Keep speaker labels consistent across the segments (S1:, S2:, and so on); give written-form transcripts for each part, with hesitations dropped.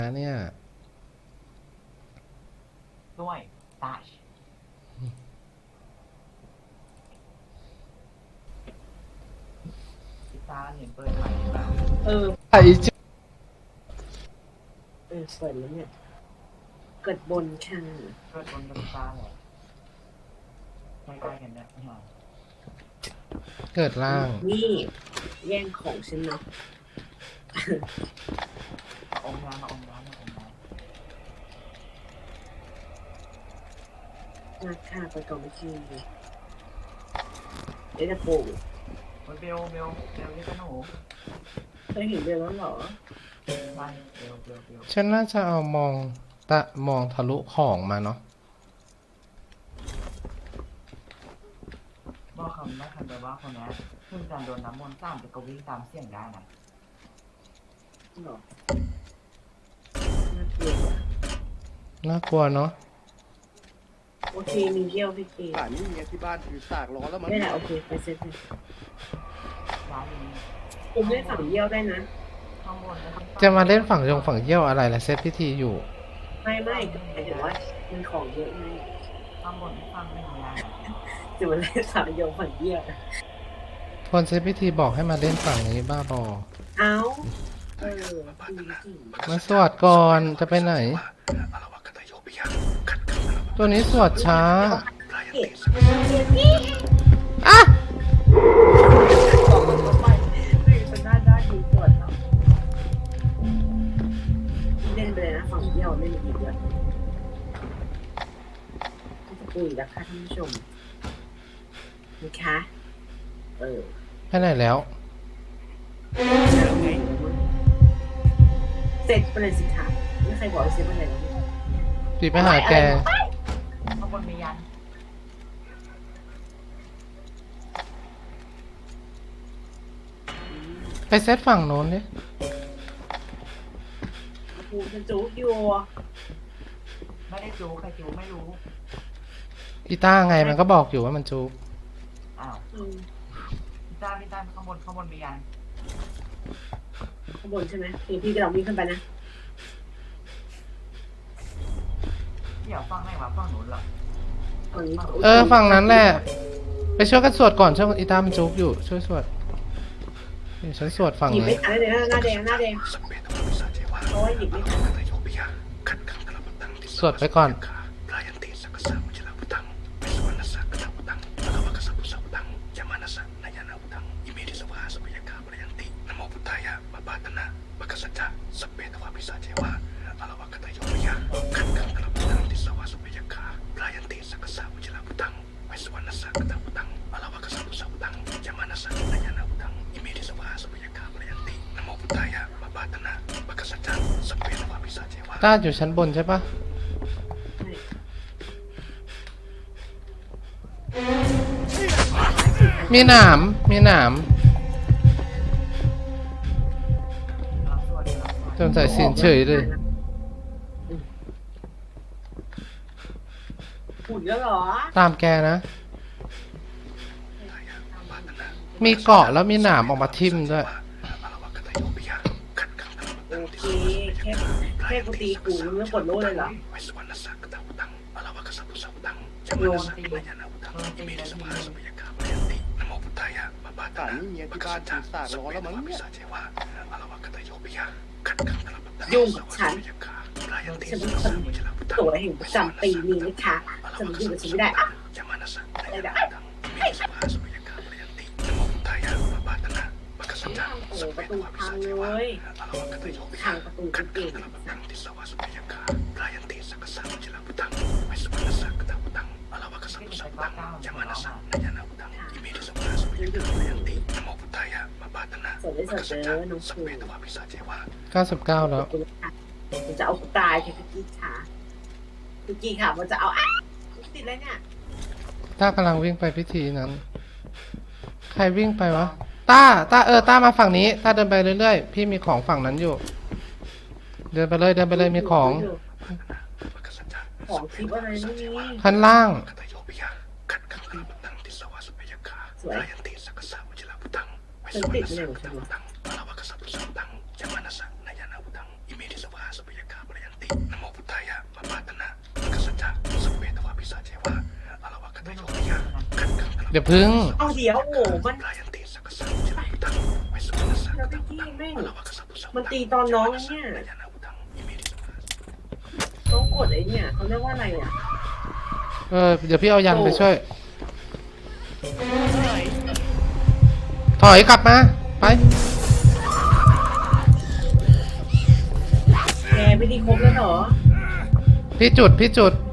S1: เนี่ย
S2: ด้วยตาชพิซซ่าเห็นเปิดใหม่บ้าง
S1: ไอ้เจ้า
S3: สวยแล้วเนี่ยเกิดบนค่ะ
S2: เปิดบนพิซซ่าเหรอใกล้ๆกันนะพี่หอม
S1: เกิดล่าง
S3: นี่แย่งของฉันเนาะ
S2: อมน้ำมาอมน้ำมาอมน้
S3: ำราคาไปก่อนไม่ทีเดี๋ยวจะปลูก
S2: ำเบลนี่ก็หนู
S3: เคยเห็นเบลแล้วเหรอ
S2: ไม่เบล
S1: ฉันน่าจะเอามองทะลุของมาเนาะ
S2: บอกคำไม่คันไปว่าคนนี้เพิ่งการโดนน้ำมนต์ตามแต่ก็วิ่งตามเสียงได้นะ
S3: หรอ
S1: น่ากลัวเนาะ
S3: โอเคมีเยี่ยวพี่เก
S4: ป่านนี้เมียที่บ้านถือสากล้อแล้วมัน
S3: ไม่แหละโอเคไปเซ็ตเลย
S2: ร้านนี้
S3: ผมได้สั่งเยี่ยวได้นะ
S2: ข้างบนแล้ว
S1: จะมาเล่นฝั่งเยี่ยวอะไรล่ะเซตพิธีอยู่
S3: ไม่หมายถึงว่ามันของเยอะไง
S2: ข้างบนที่ฟังไม่มีอะไร
S3: จะมาเล่นสั่งโยงฝั่งเยี่ยว
S1: คนเซตพิธีบอกให้มาเล่นฝั่งนี้บ้าบอ
S3: เอา
S1: มาสวดก่อนจะไปไหนตัวนี้สวดช้า
S3: อ่ะบอกมันไปเป็นหน้าด้านดีสวดเนาะเล่นไปเลยนะฝั่งเยี่ยวเล่นอีกเยอะจะคุยแล้วค่ะท่านผู้ชมนะคะ
S1: ไปไหนแล้ว
S3: เสร็จไปเลยสิคะไม่ใครบอกให้เสร็จไปไหนแล้ว
S1: ปีไปหาแก
S2: ข้างบนมียัน
S1: ไปเซตฝั่งโน้นดิ
S3: กูจะจู๊อยู่
S2: ไม่ได้จูใครจูไม่รู้
S1: อีต้าไงมันก็บอกอยู่ว่ามันจู
S2: อ้าวพี่ต้าข้างบนมียัน
S3: ข้างบนใช่ไหมพี่กำลังวิ่งขึ้นไปนะ
S2: เดี๋ยวฟังได้ว่าฟังหนูเหรอ
S1: ฝั่งนั้นแหละไปช่วยกันสวดก่อนช่วยอีต้ามันจูอยู่ช่วยสวดฉันสวดฝั่งนี้
S3: หยิบไม่ทันเลยหน้าแดงโอ้ยหยิบไม่ทัน
S1: สวดไปก่อนต้าอยู่ชั้นบนใช่ปะมีหนามจนใส่สินเฉยเลย
S3: หุ่นแล้วเหรอ
S1: ตามแกนะมีเกาะแล้วมีหนามออกมาทิ่มด้วย
S3: โอเคแค่กูตีกูมึงไม่กดโล่เลยเหรอโยนตี
S4: ป่านนี้เมียที่บ้านถือสากล้อแล้วมันเนี่ย
S3: ยุ่งกับฉันเป็นคนตัวแห่งประจำปีนี้นะคะจะมายุ่งกับฉันไม่ได้อะอะไรได้โอ้ประตูพังเลยทางประตูก็เก่งสวยสวยเลยน้องครู
S1: 99แล้ว
S3: มันจะเอาตายแค่พี่กี้ค่ะมันจะเอาติดอะไรเนี่ย
S1: ต้ากำลังวิ่งไปพิธีนั้นใครวิ่งไปวะต้าต้ามาฝั่งนี้ต้าเดินไปเรื่อยๆพี่มีของฝั่งนั้นอยู่เดินไปเลยมีของ
S3: คลิปอะไรนี่
S1: ข้างล่าง
S3: สวยฉันติดเลยใช่ไหม
S4: นะโมพุทธายะปะปาตนะกัสสัจจะสัพเพทวาปิสาเจวะอะระวะกตโยยะขันขัง
S1: เดี๋ยวพึ่ง
S3: เอาเดี๋ยวโอ้โหมัน
S4: ลายันติสักกะสังจะมีตังไว้สุนัสสะ
S3: แล้ว
S4: กะ
S3: พี่
S4: ตัง
S3: กี้แม่ง
S4: อะระวะกะสัพพุสัพ
S3: มันตีตอนน้องเนี่ย
S4: ลายานาอุตังอิเมริสุนัส
S3: น้องกดไอ้เนี่ยเขาเรียกว่าอะไรอ่ะ
S1: เดี๋ยวพี่เอายันไปช่วย ถอยกลับมา ไป
S3: แกไม่ได้ครบแล้วเหรอ
S1: พี่จุด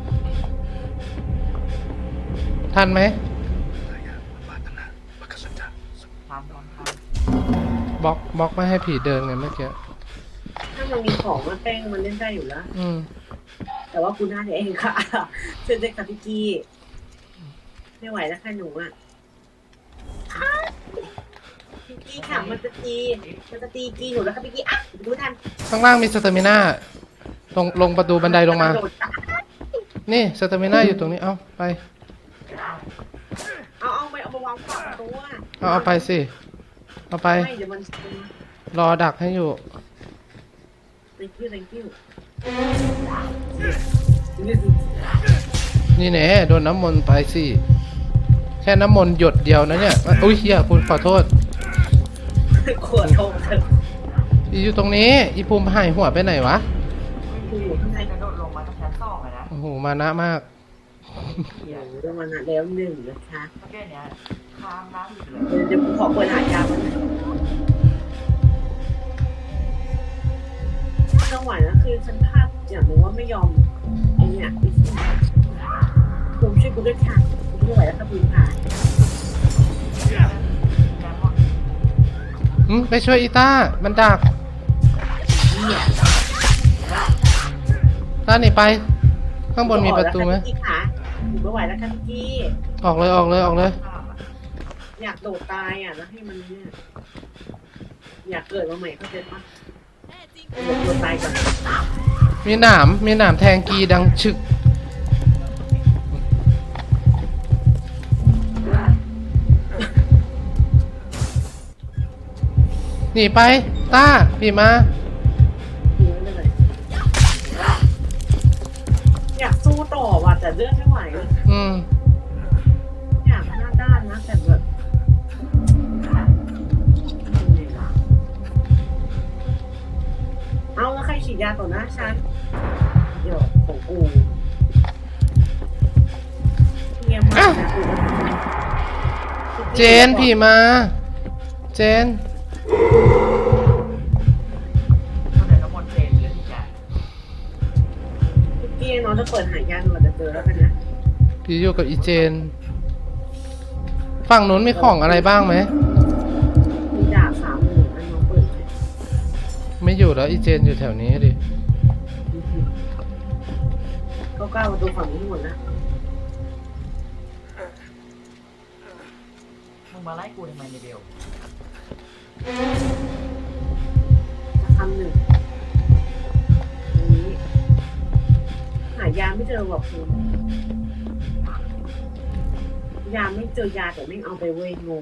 S1: ทันไหม
S4: ลายะปะปาตนะปะกัสสัจจะ
S2: ทำ
S1: บล็อกไม่ให้ผีเดินไงเมื่อกี้
S3: ถ้ามันมีของมันแป้งมันเล่นได้อยู่แล้ว
S1: อืม
S3: แต่ว่ากูน่าจะเองค่ะเชิญเลยค่ะพี่กี้ไม่ไหวแล้วค่ะหนูอ่ะอ้าวพี่กี้ค่ะมันจะตีกี้หนูแล้วค่ะพี่กี้อ่ะดูทัน
S1: ข้างล่างมีสเตมิน่าลงประตูบันไดลงมา
S3: กระโดดตาย
S1: นี่สเตมิน่าอยู่ตรงนี้ เอาไป
S3: เอาไปเอามาวางขวางประตูอ่ะ
S1: เอาไปสิ เอาไป
S3: ไม่เดี๋ยวมัน
S1: รอดักให้อยู่
S3: thank you
S1: นี่แน่โดนน้ำมนต์ไปสิ แค่น้ำมนต์หยดเดียวนะเนี่ย อุ้ยเฮียคุณขอโทษ
S3: ขวดโทงเถอะ
S1: อีอยู่ตรงนี้ อีภูมิหายหัวไปไหนวะ
S3: อยู่ข้างใน
S2: กระโดดลงมาจากชั้นสองเลยนะ
S1: โอ้โห มานะมาก
S3: เดี๋ยวมันแล้วหนึ่งนะคะ
S2: เมื่อกี้เนี้ยข้ามน้ำอยู่เลย
S3: เดี๋ยวกูขอเปิดหายามันจังหวะนั้นคือฉันพลาดอย่างหนึงว่าไม่ยอมไอ้เนี่ยภูมิช่วยกูด้วยค่ะกูไม่ไหวแล้วค่ะภูมิค่ะ
S2: แล้วก็
S1: ไปช่วยอีต้า มันดัก ต้าหนีไป ข้างบนมีประตูไหม
S3: พี่ค่ะหนูไม่ไหวแล้วค่ะพี่กี้
S1: ออกเลย
S2: ข้ามอ่ะ
S3: อยากโดดตายอ่ะแล้วให้มันเนี่ยอยากเกิดมาใหม่เข้าใจปะโดดตายก่อน
S1: มีหนามแทงกีดังฉึก หนีไป ต้าพี่มา
S3: ทิ้งไว้เลยอยากสู้ต่อว่ะแต่เลือดไม่ไหว
S1: อืม
S3: อยากหน้าด้านนะแต่แบบเอาแล้วใครฉีดยาต่อหน้าฉันเดี๋ยวของกูเงียบมากนะกู
S1: เจนพี่มา เจน
S2: ก็เลยน้ำมนต์เทเลยทุกอย่าง
S3: พี่น้องจะเปิดหายาหนูอาจจะเจอแล้วกันนะ
S1: พี่อยู่กับอีเจน ฝั่งนู้นมีของอะไรบ้างไหม
S3: มีดาบ30,000อันน้องเปิดเลย
S1: ไม่อยู่แล้วอีเจนอยู่แถวนี้ดิ
S3: ก็ก้าวประตูฝั่งนี้หมดนะ
S2: มึงมาไล่กูทำไมในเบล
S3: จะคำหนึ่งอันนี้หายาไม่เจอหรอกคุณยาไม่เจอยาแต่ไม่เอาไปเว้ยงง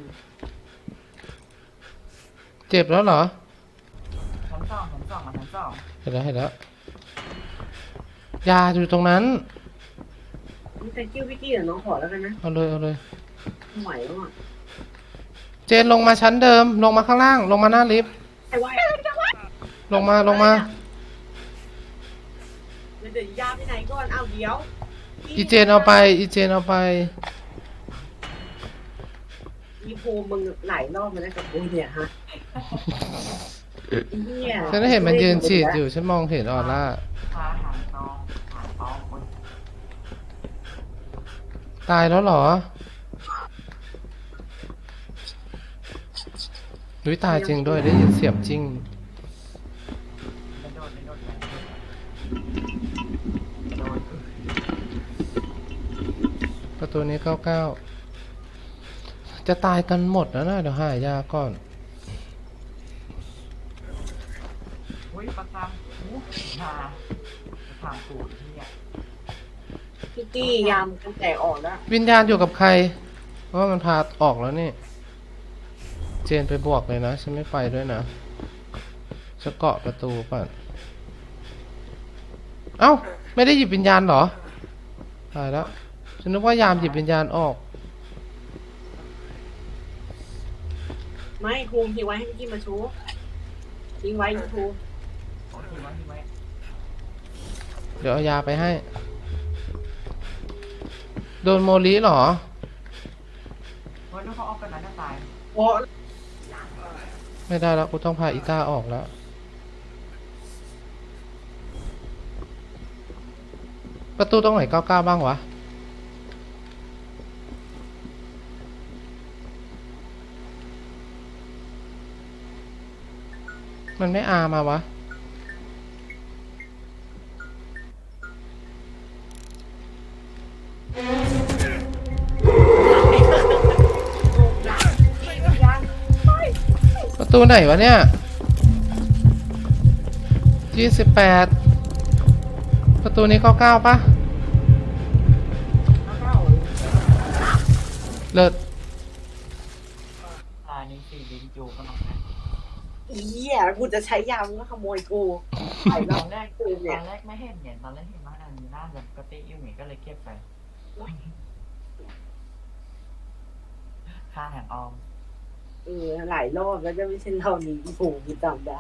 S1: เจ็บแล้วเหรอ
S2: ชั้นสองมาชั้นสอง
S1: เห็นแล้ว ยาอยู่ตรงนั้น
S3: นี่แต่กิ้วพี่กี้เดี๋ยวน้องขอแล้วกันนะ
S1: เอาเลย
S3: ไม่ไหวแล้วอ่ะ
S1: เจนลงมาชั้นเดิม ลงมาข้างล่าง ลงมาหน้าลิฟต์
S3: ไอ้ไว้
S1: ลงมา
S3: เดี๋ยวยาไปไหนก่อนเอาเดี๋ยว
S1: อีเจนเอาไป
S3: อีโพมึงหลายรอบมาแล้วกับกูเนี่ยฮะเนี่ย
S1: ฉันได้เห็นมันยืนฉีดอยู่ ฉันมองเห็นออร่า
S2: พาหางตองคน
S1: ตายแล้วเหรอดุยตายจริงด้วย ได้ยินเสียงจริง
S2: กระโดดโดด
S1: ประตูนี้99 จะตายกันหมดแล้วนะเดี๋ยวหายาก่อน
S2: อุ้ยประคำหูมาประคำกูที่เนี่ย
S3: พี่กี้ยามกันแตกออกแล้ว
S1: วิญญาณอยู่กับใคร เพราะว่ามันพาออกแล้วนี่ เจนไปบวกเลยนะ ฉันไม่ไปด้วยนะจะเกาะประตูป่ะเอ้า ไม่ได้หยิบวิญญาณเหรอตายแล้ว ฉันนึกว่ายามหยิบวิญญาณออก
S3: ไม่ครูทิ้งไว้ให้พี่กี้มาชูทิ้งไว้ครู
S2: ที่ไว้
S1: เดี๋ยวเอายาไปให้ โดนโมลิเหรอ
S2: เพราะถ้าเขาออกกันนั้นจะตาย
S3: โอ้
S1: ไม่ได้แล้วกูต้องพาอีต้าออกแล้ว ประตูตรงไหน99บ้างวะ มันไม่อามาวะ ประตูไหนวะเนี่ย28ประตูนี้99ปะเลิศ
S2: นี่สี่ดินจูก็น้องนะ
S3: อีเหี้ยกูจะใช้ยามึงก็ขโมยกูไอ้
S2: ต
S3: เรา
S2: อนแรกไม่เห็นเนี่ยตอนแรกเห็นว่าอันนี้น่าจะปกติอยู่เหมือนก็เลยเก็บไปค่าแห่งออม
S3: หลายรอบแล้วจะไม่ใช่เรานี้อีผูกูจำได้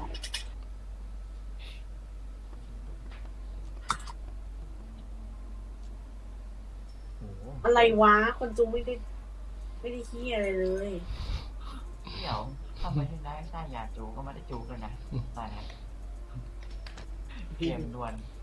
S2: โอ้โห
S3: อะไรวะ คนจูไม่ได้ขี้อะไรเลย
S2: เดี๋ยวทำไมถึงได้สร้างยาจูก็ไม่ได้จูกันนะตายแล้วเกมดวน